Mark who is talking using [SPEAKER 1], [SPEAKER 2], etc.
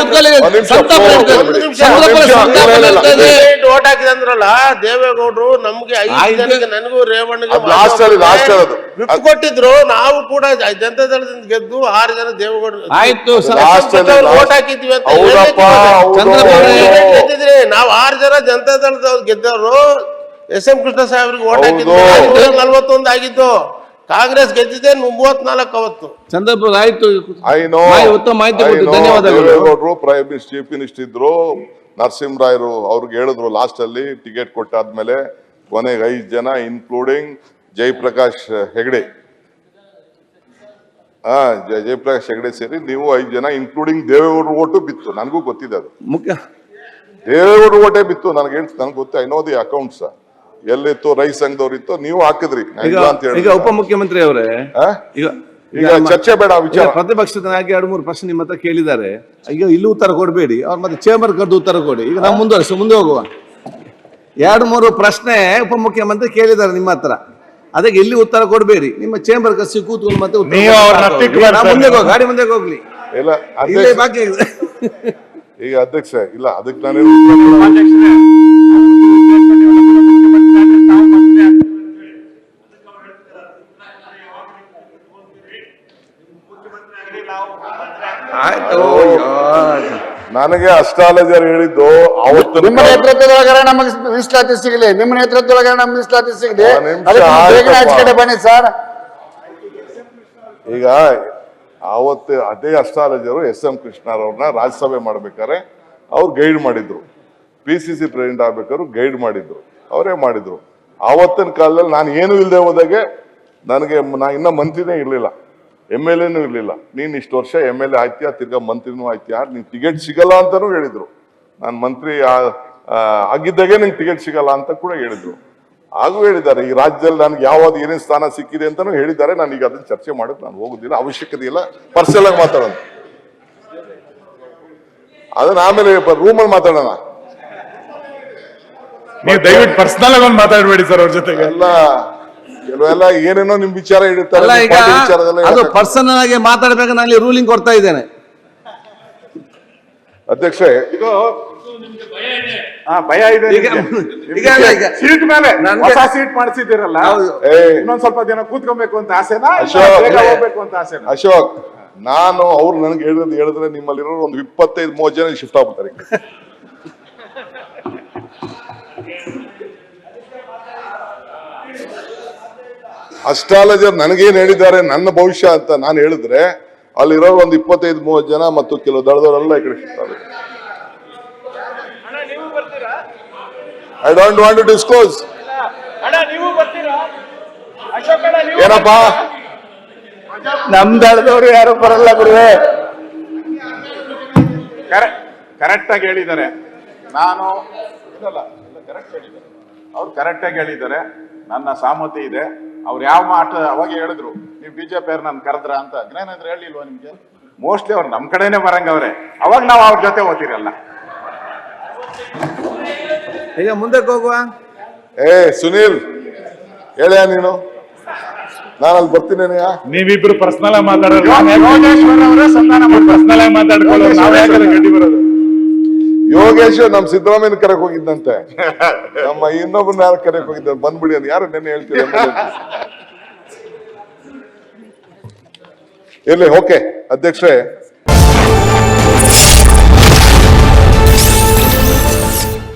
[SPEAKER 1] Vote ಹಾಕಿದಂದ್ರಲ್ಲ ದೇವೇಗೌಡರು ನಮ್ಗೆ 5 ಜನಕ್ಕೆ ನನಗೂ ರೇವಣ್ಣಗೆ ವಿಪ್ ಕೊಟ್ಟಿದ್ರು. ನಾವು ಕೂಡ ಜನತಾ ದಳದಿಂದ ಗೆದ್ದು 6 ಜನ ದೇವೇಗೌಡರು ಓಟ್ ಹಾಕಿದ್ವಿ ಅಂತ ಗೆದ್ದಿದ್ರಿ. ನಾವು 6 ಜನ ಜನತಾ ದಳದವ್ರು ಗೆದ್ದವರು. ಎಸ್.ಎಂ. ಕೃಷ್ಣ ಸಾಹೇಬ್ರಿಗೆ ಓಟ್ ಹಾಕಿದ್ದು 41 ಆಗಿದ್ದು. ಕಾಂಗ್ರೆಸ್ ಗೆದ್ದಿದೆ 34 ಅವತ್ತು.
[SPEAKER 2] ಚಂದ್ರಪುರ ಆಯ್ತು.
[SPEAKER 3] ಉತ್ತಮ ಮಾಹಿತಿ ಕೊಟ್ಟು ಧನ್ಯವಾದಗಳು. ದೇವೇಗೌಡರು ಪ್ರೈಮ್ ಮಿನಿಸ್ಟರ್ ಚೀಫ್ ಮಿನಿಸ್ಟರ್ ಇದ್ರು. ನರಸಿಂಹರಾಯರು ಅವ್ರಿಗೆ ಹೇಳಿದ್ರು ಲಾಸ್ಟ್ ಅಲ್ಲಿ ಟಿಕೆಟ್ ಕೊಟ್ಟಾದ್ಮೇಲೆ ಕೊನೆಗೆ 5 ಜನ ಇನ್ಕ್ಲೂಡಿಂಗ್ ಜಯಪ್ರಕಾಶ್ ಹೆಗಡೆ ಜಯಪ್ರಕಾಶ್ ಹೆಗಡೆ ಸೇರಿ ನೀವು 5 ಜನ ಇನ್ಕ್ಲೂಡಿಂಗ್ ದೇವೇಗೌಡರು ಓಟು ಬಿತ್ತು. ನನಗೂ ಗೊತ್ತಿದೆ ಅದು ಮುಖ್ಯ. ದೇವೇಗೌಡರು ಓಟೇ ಬಿತ್ತು. ನನಗೆ ಗೊತ್ತು. I know the accounts. ಎಲ್ಲಿತ್ತು ರೈತ ಸಂಘದವ್ರು ಇತ್ತು, ನೀವು ಹಾಕಿದ್ರಿ ಅಂತ ಹೇಳಿ.
[SPEAKER 2] ಈಗ ಉಪಮುಖ್ಯಮಂತ್ರಿ ಅವರೇ,
[SPEAKER 3] ಈಗ ಚರ್ಚೆ ಬೇಡ ವಿಚಾರ.
[SPEAKER 2] ಪ್ರತಿಪಕ್ಷದ ನಾಯಕ 2-3 ಪ್ರಶ್ನೆ ನಿಮ್ಮ ಹತ್ರ ಕೇಳಿದ್ದಾರೆ. ಈಗ ಇಲ್ಲಿ ಉತ್ತರ ಕೊಡಬೇಡಿ, ಅವ್ರ ಮತ್ತೆ ಚೇಂಬರ್ ಕರೆದು ಉತ್ತರ ಕೊಡಿ. ಈಗ ನಾವು ಮುಂದೆ ಹೋಗುವ. 2-3 ಪ್ರಶ್ನೆ ಉಪಮುಖ್ಯಮಂತ್ರಿ ಕೇಳಿದ್ದಾರೆ ನಿಮ್ಮ ಹತ್ರ. ಅದಕ್ಕೆ ಇಲ್ಲಿ ಉತ್ತರ ಕೊಡಬೇಡಿ. ನಿಮ್ಮ ಚೇಂಬರ್ ಕಸಿ ಕೂತ್ಕೊಂಡು ಮತ್ತೆ ಮುಂದೆ ಗಾಡಿ ಮುಂದೆ ಹೋಗ್ಲಿ.
[SPEAKER 3] ಇಲ್ಲ ಬಾಕಿ ಈಗ ಅಧ್ಯಕ್ಷ ಇಲ್ಲ, ಅದಕ್ಕೆ ನಾನು ನನಗೆ ಅಷ್ಟಾಲಜರ್ ಹೇಳಿದ್ದು ಅವತ್ತು
[SPEAKER 4] ನಿಮ್ಮ ನೇತೃತ್ವದೊಳಗಡೆ ನಮಗೆ ಮೀಸಲಾತಿ ಸಿಗಲಿ, ನಿಮ್ಮ ನೇತೃತ್ವದೊಳಗಡೆ ನಮ್ಗೆ ಮೀಸಲಾತಿ ಸಿಗಲಿ. ಬನ್ನಿ ಸರ್.
[SPEAKER 3] ಈಗ ಅವತ್ತು ಅದೇ ಅಷ್ಟಾಲಜರು ಎಸ್.ಎಂ. ಕೃಷ್ಣರವ್ರನ್ನ ರಾಜ್ಯಸಭೆ ಮಾಡ್ಬೇಕಾದ್ರೆ ಅವ್ರು ಗೈಡ್ ಮಾಡಿದ್ರು. PCC ಪ್ರೆಸಿಡೆಂಟ್ ಆಗ್ಬೇಕಾದ್ರು ಗೈಡ್ ಮಾಡಿದ್ರು, ಅವರೇ ಮಾಡಿದ್ರು. ಆವತ್ತಿನ ಕಾಲದಲ್ಲಿ ನಾನು ಏನು ಇಲ್ಲದೆ ಹೋದಾಗೆ ನನಗೆ ಇನ್ನ ಮಂತ್ರಿನೇ ಇರ್ಲಿಲ್ಲ, MLA ಇರ್ಲಿಲ್ಲ. ನೀನ್ ಇಷ್ಟು ವರ್ಷ MLA ಆಯ್ತೀಯಾ, ತಿರ್ಗಾ ಮಂತ್ರಿನೂ ಆಯ್ತೀಯಾ, ನೀನ್ ಟಿಕೆಟ್ ಸಿಗಲ್ಲ ಅಂತಾನೂ ಹೇಳಿದ್ರು. ನಾನು ಮಂತ್ರಿ ಆಗಿದ್ದಾಗೆ ನಿಂಗೆ ಟಿಕೆಟ್ ಸಿಗಲ್ಲ ಅಂತ ಕೂಡ ಹೇಳಿದ್ರು. ಹಾಗೂ ಹೇಳಿದ್ದಾರೆ ಈ ರಾಜ್ಯದಲ್ಲಿ ನನಗೆ ಯಾವ್ದು ಏನೇನು ಸ್ಥಾನ ಸಿಕ್ಕಿದೆ ಅಂತಾನು ಹೇಳಿದ್ದಾರೆ. ನಾನು ಈಗ ಅದನ್ನ ಚರ್ಚೆ ಮಾಡಕ್ ನಾನು ಹೋಗುದಿಲ್ಲ, ಅವಶ್ಯಕತೆ ಇಲ್ಲ. ಪರ್ಸನಲ್ ಆಗಿ ಮಾತಾಡೋಣ, ಅದನ್ನ ಆಮೇಲೆ ರೂಮಲ್ಲಿ ಮಾತಾಡೋಣ.
[SPEAKER 5] ನೀವು ದಯವಿಟ್ಟು ಪರ್ಸನಲ್ ಆಗಿ ಮಾತಾಡಬೇಡಿ ಸರ್ ಅವ್ರ ಜೊತೆಗೆ.
[SPEAKER 3] ಕೆಲವೆಲ್ಲ ಏನೇನೋ ನಿಮ್ ವಿಚಾರ ಇಡುತ್ತಾರೆ.
[SPEAKER 2] ಅದು ಪರ್ಸನಲ್ ಆಗಿ ಮಾತಾಡ್ಬೇಕು. ನಾನು ರೂಲಿಂಗ್ ಕೊಡ್ತಾ ಇದ್ದೇನೆ
[SPEAKER 3] ಅಧ್ಯಕ್ಷ.
[SPEAKER 5] ಭಯ ಇದೆ. ಸೀಟ್ ಮೇಲೆ ಹೊಸ ಸೀಟ್ ಮಾಡಿಸಿದಿರಲ್ಲ, ಇನ್ನೊಂದ್ ಸ್ವಲ್ಪ ದಿನ ಕೂತ್ಕೊಬೇಕು ಅಂತ ಆಸೆನಾ, ಹೋಗ್ಬೇಕು ಅಂತ ಆಸೆನಾ?
[SPEAKER 3] ಅಶೋಕ್, ನಾನು ಅವ್ರು ನನಗೆ ಹೇಳಿದ್ರೆ ನಿಮ್ಮಲ್ಲಿರೋ ಒಂದು 25-30 ಜನ ಶಿಫ್ಟ್ ಆಗ್ಬಿಡ್ತಾರೆ. ಅಸ್ಟ್ರಾಲಜರ್ ನನಗೇನ್ ಹೇಳಿದ್ದಾರೆ ನನ್ನ ಭವಿಷ್ಯ ಅಂತ ನಾನು ಹೇಳಿದ್ರೆ ಅಲ್ಲಿರೋ ಒಂದು 25-30 ಜನ ಮತ್ತು ಕೆಲವು ದಳದವರೆಲ್ಲ ಈ ಕಡೆ ಶಿಫ್ಟ್ ಆಗುತ್ತೆ. I don't want to disclose. ಏನಪ್ಪಾ,
[SPEAKER 4] ನಮ್ ದಳದವರು ಯಾರು ಬರಲ್ಲ ಗುರುವೆ.
[SPEAKER 5] ಕರೆಕ್ಟ್ ಆಗಿ ಹೇಳಿದ್ದಾರೆ. ನಾನು ಅವ್ರು ಕರೆಕ್ಟ್ ಆಗಿ ಹೇಳಿದ್ದಾರೆ. ನನ್ನ ಸಹಮತಿ ಇದೆ. ಅವ್ರು ಯಾವ ಮಾಟ ಅವಾಗ ಹೇಳಿದ್ರು, ನೀವು ಬಿಜೆಪಿ ಅವ್ರು ನನ್ ಕರೆದ್ರ ಅಂತ. ಜ್ಞಾನೇಂದ್ರ ಹೇಳಿಲ್ವಾ ನಿಮ್ಗೆ? ಮೋಸ್ಟ್ಲಿ ಅವ್ರು ನಮ್ ಕಡೆನೆ ಬರಂಗವ್ರೆ. ಅವಾಗ ನಾವು ಅವ್ರ ಜೊತೆ ಓದ್ತಿರಲ್ಲ.
[SPEAKER 2] ಈಗ ಮುಂದಕ್ಕೆ ಹೋಗುವ.
[SPEAKER 3] ಸುನೀಲ್ ಹೇಳ್ಯಾ ನೀನು? ನಾನು ಅಲ್ಲಿ ಬರ್ತೀನಿ.
[SPEAKER 5] ನೀವಿಬ್ರು ಪರ್ಸನಲ್ ಆಗಿ ಮಾತಾಡೋದು, ಪರ್ಸನಲ್ ಆಗಿ ಮಾತಾಡ್ಕೊಳ್ಳೋದು, ನಾವ್ ಯಾಕಂದ್ರೆ ಗಡ್ಡಿ ಬರೋದು.
[SPEAKER 3] ಯೋಗೇಶ್ ನಮ್ ಸಿದ್ದರಾಮಯ್ಯನ ಕರೆಕ್ ಹೋಗಿದ್ದಂತೆ, ನಮ್ಮ ಇನ್ನೊಬ್ಬನ ಯಾರು ಕರೆಕ್ ಹೋಗಿದ್ದ, ಬಂದ್ಬಿಡಿ ಅಂತ. ಯಾರು ನೆನ್ನೆ ಹೇಳ್ತೀವಿ ಇಲ್ಲಿ. ಓಕೆ ಅಧ್ಯಕ್ಷರೇ.